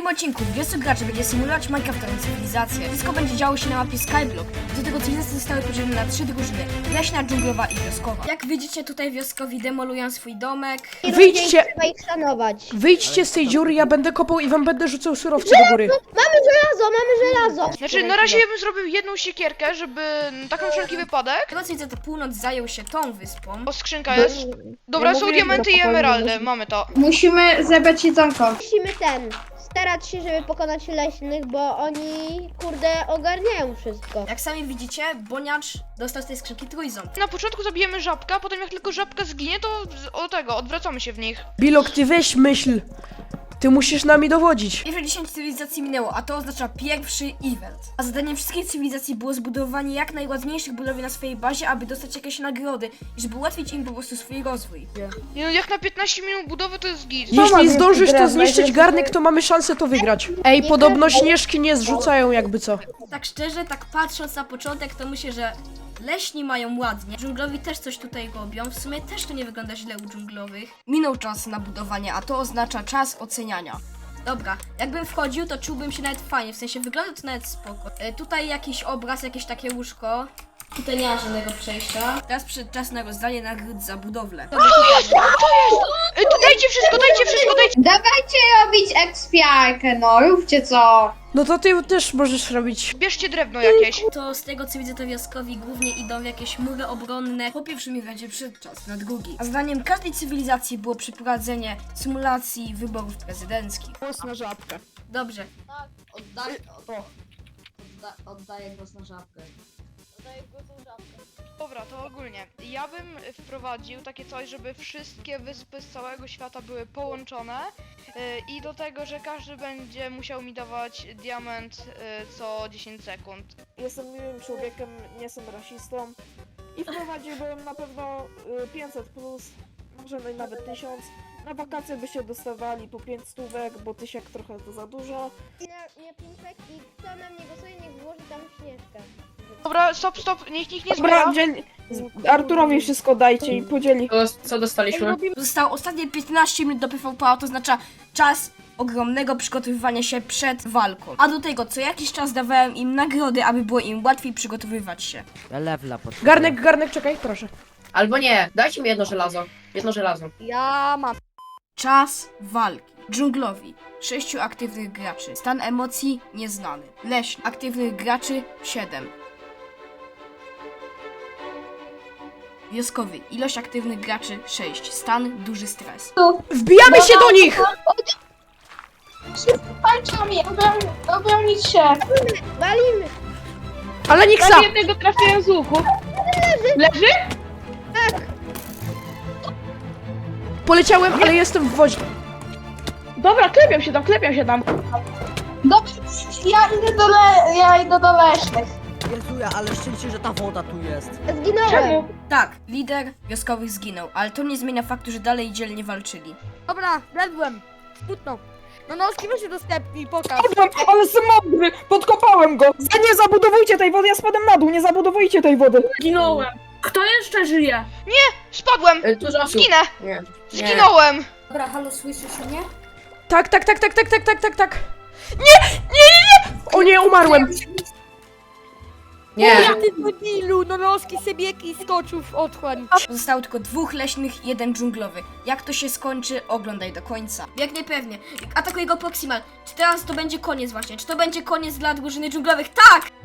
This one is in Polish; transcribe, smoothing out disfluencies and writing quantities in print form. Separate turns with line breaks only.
odcinku wiosek graczy będzie symulować Minecraftową cywilizację. Wszystko będzie działo się na mapie Skyblock. Do tego cywilizacje zostały podzielone na 3 drużyny: leśna, dżunglowa i wioskowa. Jak widzicie, tutaj wioskowi demolują swój domek.
Wyjdźcie!
Trzeba ich szanować.
Wyjdźcie z tej dziury, ja będę kopał i wam będę rzucał surowce do góry.
Mamy żelazo!
Znaczy, na razie ja bym zrobił jedną siekierkę, żeby taką wszelki wypadek.
Tego co widzę, to północ zajął się tą wyspą.
O, skrzynka jest. Dobra, są diamenty i emeraldy, mamy to.
Musimy zebrać jedzonko.
Musimy starać się, żeby pokonać leśnych, bo oni, kurde, ogarniają wszystko.
Jak sami widzicie, Boniacz dostał z tej skrzynki trójząb.
Na początku zabijemy żabka, a potem jak tylko żabka zginie, to odwracamy się w nich.
Bilok, ty weź myśl. Ty musisz nami dowodzić.
Pierwsze 10 cywilizacji minęło, a to oznacza pierwszy event. A zadaniem wszystkich cywilizacji było zbudowanie jak najładniejszych budowli na swojej bazie, aby dostać jakieś nagrody i żeby ułatwić im po prostu swój rozwój.
Nie no, jak na 15 minut budowy to jest git.
Jeśli zdążysz to zniszczyć garnek, to mamy szansę to wygrać. Ej, podobno śnieżki nie zrzucają jakby co.
Tak szczerze, tak patrząc na początek, to myślę, że leśni mają ładnie. Dżunglowi też coś tutaj robią. W sumie też to nie wygląda źle u dżunglowych. Minął czas na budowanie, a to oznacza czas oceniania. Dobra, jakbym wchodził, to czułbym się nawet fajnie, w sensie wygląda to nawet spoko. Tutaj jakiś obraz, jakieś takie łóżko. Tutaj nie ma żadnego przejścia. Teraz przyszedł czas na rozdanie nagród za budowlę.
Dajcie wszystko, dajcie!
Dawajcie robić ekspiarkę, no róbcie co.
No to ty też możesz robić.
Bierzcie drewno jakieś.
To z tego co widzę, to wioskowi głównie idą w jakieś mury obronne. Po pierwszym evencie przyszedł czas na drugi. A zadaniem każdej cywilizacji było przeprowadzenie symulacji wyborów prezydenckich.
Głos na żabkę.
Dobrze.
Oddaję głos na żabkę.
Dobra, to ogólnie. Ja bym wprowadził takie coś, żeby wszystkie wyspy z całego świata były połączone i do tego, że każdy będzie musiał mi dawać diament co 10 sekund.
Jestem miłym człowiekiem, nie jestem rasistą i wprowadziłbym na pewno 500+, może nawet 1000. Na wakacje byście dostawali po 5 stówek, bo 1000 trochę to za dużo.
Nie pimpek i kto na mnie głosuje, niech włoży tam śnieżkę.
Dobra, stop, niech nikt nie
Dobra,
zbiera.
Arturowi wszystko dajcie i podzieli.
Co dostaliśmy?
Zostało ostatnie 15 minut do PvP, a to oznacza czas ogromnego przygotowywania się przed walką. A do tego co jakiś czas dawałem im nagrody, aby było im łatwiej przygotowywać się.
Ja lewla potrzebuję.
Garnek, czekaj, proszę.
Albo nie, dajcie mi jedno żelazo. Jedno żelazo.
Ja mam.
Czas walki. Dżunglowi 6 aktywnych graczy. Stan emocji nieznany. Leśny aktywnych graczy 7. Wioskowy ilość aktywnych graczy 6. Stan duży stres.
Wbijamy się do nich!
Patrzcie mi, obronić się.
Walimy!
Ale Niksa!
Jednego trafiłem z łuku. Leży?
Poleciałem, ale jestem w wodzie.
Dobra, klepią się tam.
Dobrze, ja idę do leśnych.
Jezuja, ale szczęście, że ta woda tu jest.
Zginąłem!
Czemu?
Tak, lider wioskowych zginął, ale to nie zmienia faktu, że dalej dzielnie walczyli.
Dobra, ledłem. Smutno. No noski weź się udostępnij, pokaż.
Ale jestem mądry, podkopałem go. Nie zabudowujcie tej wody, ja spadłem na dół, nie zabudowujcie tej wody.
Zginąłem. Kto jeszcze żyje?
Spadłem!
Dużo osób.
Zginę!
Nie.
Zginąłem!
Dobra, halo, słyszysz mnie?
Tak. Nie! O nie, umarłem!
Nie.
Ja ty debilu, no noski sebieki skoczył w otchłań.
Zostało tylko 2 leśnych, 1 dżunglowy. Jak to się skończy, oglądaj do końca. Jak niepewnie. Atakuje go Proximal. Czy teraz to będzie koniec właśnie? Czy to będzie koniec dla drużyny dżunglowych? Tak!